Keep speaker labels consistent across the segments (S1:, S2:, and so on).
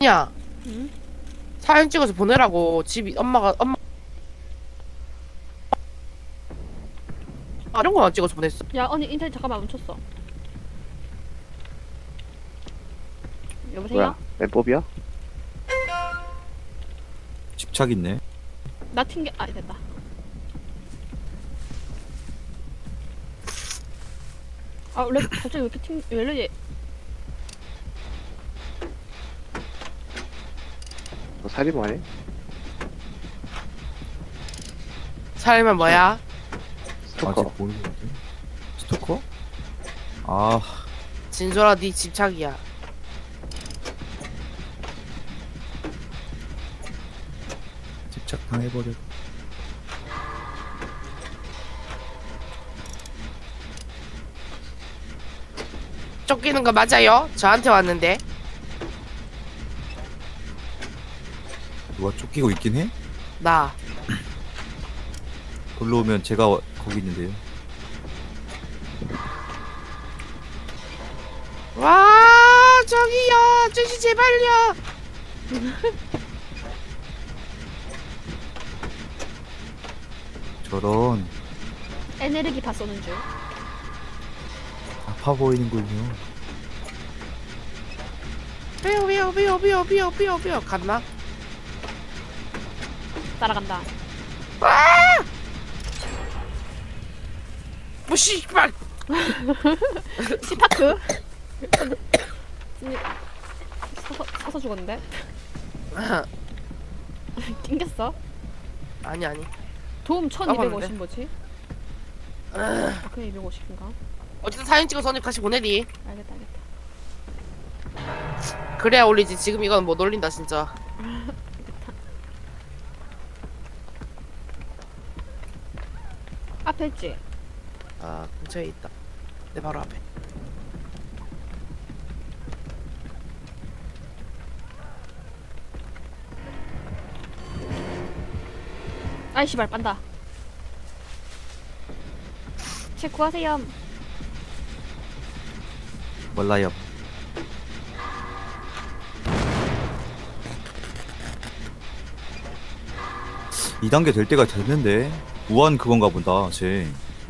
S1: 야,
S2: 응?
S1: 사진 찍어서 보내라고. 집이 엄마 이런 거만 찍어서 보냈어.
S2: 야 언니 인터넷 잠깐만 멈췄어. 여보세요?
S3: 뭐야? 맵법이야?
S4: 집착 있네.
S2: 나 튕겨. 아 됐다. 아 원래 갑자기 왜 이렇게 왜 이러지?
S3: 너 살인마네?
S1: 살면 뭐야?
S3: 스토커.
S4: 아직 모르는 것 같아. 스토커? 아,
S1: 진솔아, 네 집착이야.
S4: 집착 당해버려.
S1: 쫓기는 거 맞아요? 저한테 왔는데.
S4: 누가 쫓기고 있긴 해?
S1: 나.
S4: 걸로 오면 제가 거기 있는데요.
S1: 와, 저기요. 아저씨 제발요.
S4: 저런
S2: 에네르기파 쏘는 줄.
S4: 아파 보이는군요.
S1: 삐요. 갔나?
S2: 따라간다.
S1: 뭐 씨발.
S2: 시파크? 서서 죽었는데? 낑겼어?
S1: 아니.
S2: 도움
S1: 까먹었는데.
S2: 1250 뭐지? 그냥 250인가?
S1: 어쨌든 사진 찍어서 언니 같이 보내리.
S2: 알겠다.
S1: 그래야 올리지. 지금 이건 못 올린다 진짜.
S2: 앞에 있지?
S1: 아, 근처에 있다. 내 바로 앞에.
S2: 아이 씨발 빤다. 제 구하세요.
S4: 몰라요. 이 단계 될 때가 됐는데 무한 그건가 보다. 쟤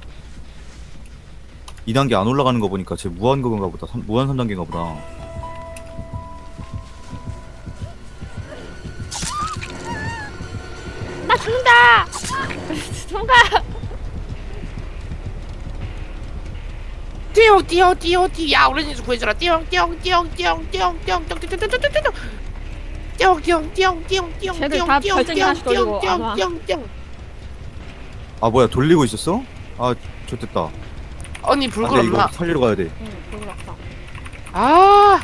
S4: 2단계 안 올라가는 거 보니까 쟤 무한 그건가 보다. 무한 3단계인가 보다.
S2: 나 죽는다! 도망가!
S1: 띠용. 야, 우리 집 구해줘라. 띠용.
S2: 쟤들 다 별장이 하나씩 돌리고 안 와.
S4: 아 뭐야 돌리고 있었어? 아 좋됐다.
S1: 언니 불
S4: 안돼
S1: 끌었나?
S4: 이거 살리러 가야 돼.
S2: 응, 불을 없어.
S1: 아,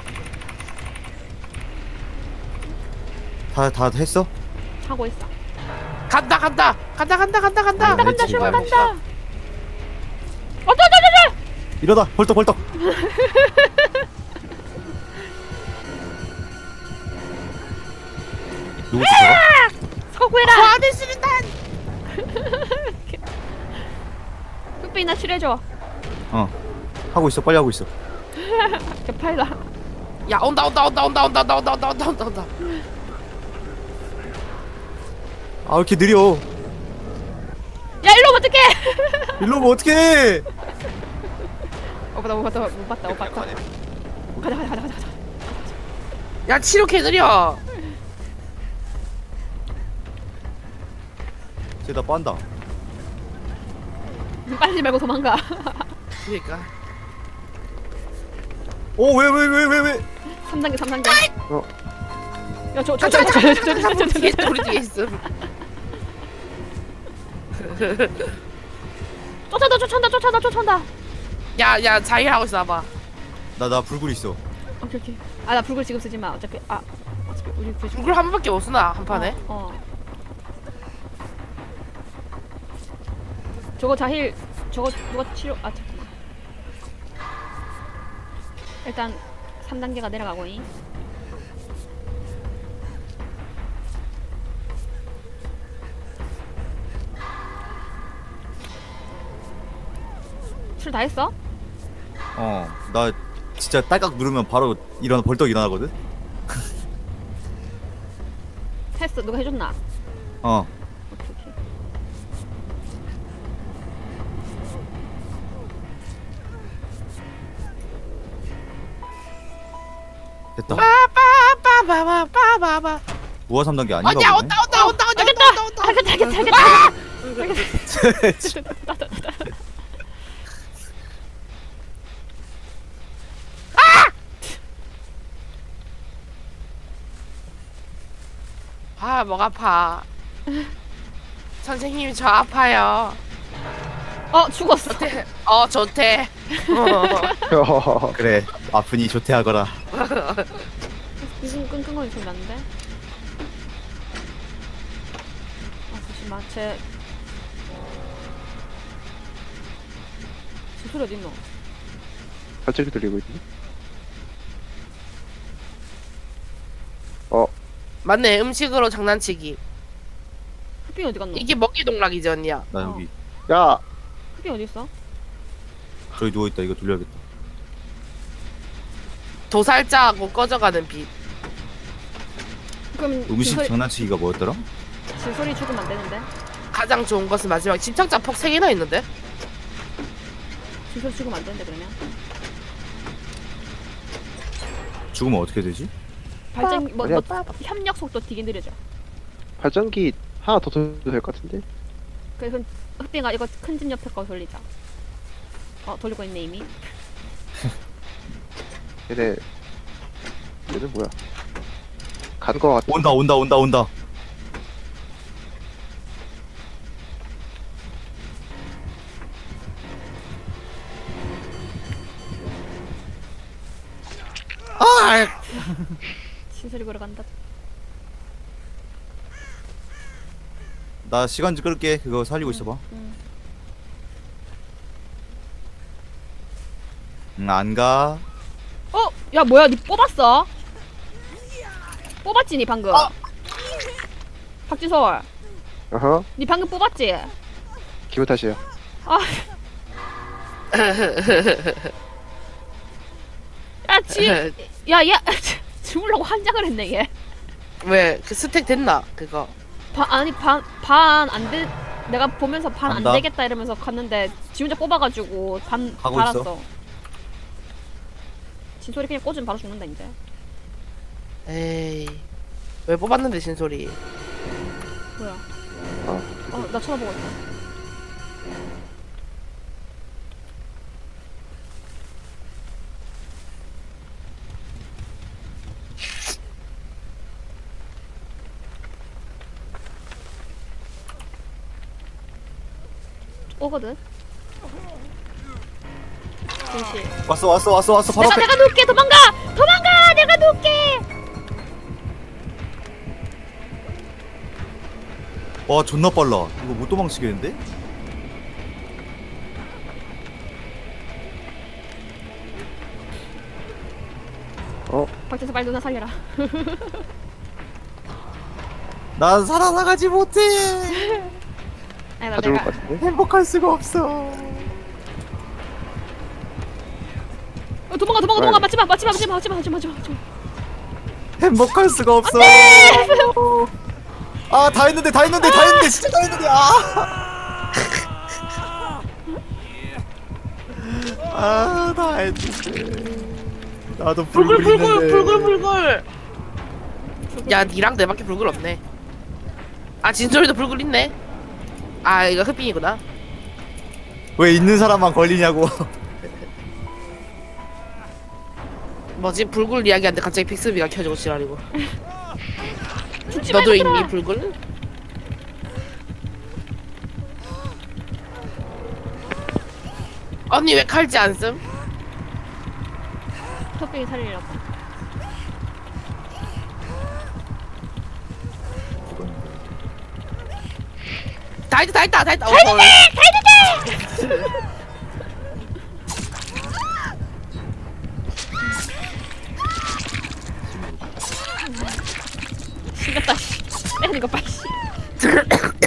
S4: 다 했어?
S2: 하고 있어.
S1: 간다.
S2: 간다,
S4: 네,
S2: 슈가
S4: 지금.
S2: 간다!
S4: 이러다 벌떡. 누구지 저거?
S2: 서구해라!
S1: 화내 수류탄.
S2: 흑빈아 칠해줘.
S4: 어 하고 있어 빨리 하고 있어.
S2: 개팔라.
S1: 야, 온다.
S4: 아 왜 이렇게 느려?
S2: 야 일로 오면 어떡해!
S4: 일로 오면 어떡해?
S2: 못 봤다. 가자.
S1: 야, 치료 개 느려.
S4: 쟤 나 빤다.
S2: 빨리 말고 도망가.
S1: 그러니까.
S4: 오 왜?
S2: 3단계.
S3: 어?
S2: 야, 저.
S1: 우리 뒤에 있어.
S2: 쫓아온다.
S1: 야, 자기하고 있어 봐.
S4: 나 불굴 있어.
S2: 오케이. 아, 나 불글 지금 쓰지 마. 어차피 우리 불
S1: 불굴 한 번밖에 못 쓰나 한 판에?
S2: 저거 자힐 저거 누가 치료 잠깐만. 일단 3단계가 내려가고잉. 술 다 했어?
S4: 나 진짜 딸깍 누르면 바로 벌떡 일어나거든.
S2: 했어. 누가 해줬나?
S4: 어.
S2: 오케이 오케이.
S4: 됐다.
S1: 빠바바바바바바.
S4: 우아 3단계 아닌가
S1: 어디야?
S4: 보네.
S1: 온다.
S2: 알겠다.
S1: 아, 목 아파. 선생님 저 아파요.
S2: 죽었어.
S1: 좋대.
S4: 그래. 아프니 조퇴하거라.
S2: 무슨 끙끙거리는 소리 나는데? 잠시만. 쟤 소리 어딨노?
S3: 갑자기 들리고 있네.
S1: 맞네. 음식으로 장난치기.
S2: 흑빙 어디 갔노?
S1: 이게 먹기 동락이지 언니야.
S4: 나 여기.
S3: 야,
S2: 흑빙 어디 있어?
S4: 저기 누워있다. 이거 돌려야겠다.
S1: 도살자하고 꺼져가는 빛.
S2: 그럼
S4: 음식 장난치기가 뭐였더라?
S2: 진솔이 죽으면 안 되는데?
S1: 가장 좋은 것은 마지막 침착자 폭 3개나 있는데?
S2: 진솔이 죽으면 안 되는데 그러면?
S4: 죽으면 어떻게 되지?
S2: 발전
S3: 아니야.
S2: 협력 속도 되게 느려져.
S3: 발전기 하나 더 돌려도 될 것 같은데?
S2: 그래서 흑빙아 이거 큰 집 옆에 거 돌리자. 돌리고 있네 이미.
S3: 얘네 뭐야? 간 거 같아.
S4: 온다.
S2: 진솔이 보러 간다.
S4: 나 시간 좀 끌게. 그거 살리고 있어봐. 안 가.
S2: 야 뭐야 니 뽑았어? 뽑았지 니 방금? 박지솔
S3: 어허,
S2: 니 방금 뽑았지?
S3: 기분 탓이야.
S2: 아. 야 주물라고 한장을 했네 얘.
S1: 왜? 그 스택 됐나? 그거.
S2: 반 안 돼. 내가 보면서 반 안
S4: 간다.
S2: 되겠다 이러면서 갔는데 지 혼자 뽑아가지고 반
S4: 하고
S2: 달았어.
S4: 있어.
S2: 진솔이 그냥 꽂으면 바로 죽는다 이제.
S1: 에이. 왜 뽑았는데 진솔이.
S2: 뭐야?
S3: 아,
S2: 나 쳐다보고 있어. 오거든. 진실.
S4: 왔어. 바로 앞에.
S2: 내가 누울게. 도망가. 내가 누울게.
S4: 와 존나 빨라. 이거 못 도망치겠는데?
S2: 박재서 빨리 누나 살려라.
S4: 난 살아나가지 못해.
S2: 아니 나
S3: 다 죽을
S2: 내가
S3: 것 같은데?
S4: 행복할 수가 없어.
S2: 도망가. 맞지마.
S4: 행복할 수가 없어. 아, 다 했는데 진짜 다 했는데. 다 했는데. 나도 불굴 있는데.
S1: 불굴. 야, 니랑 내밖에 불굴 없네. 아, 진솔이도 불굴 있네. 아, 이거 흑빙이구나.
S4: 왜 있는 사람만 걸리냐고.
S1: 뭐지? 불굴 이야기하는데 갑자기 픽스비가 켜지고 지랄이고.
S2: 죽지
S1: 너도
S2: 말고
S1: 있니 불굴? 언니 왜 칼지 안 쓴?
S2: 턱병이 살리려고.
S1: 다 했다.
S2: 신났다 씨. 빼는 거 빨리 씨.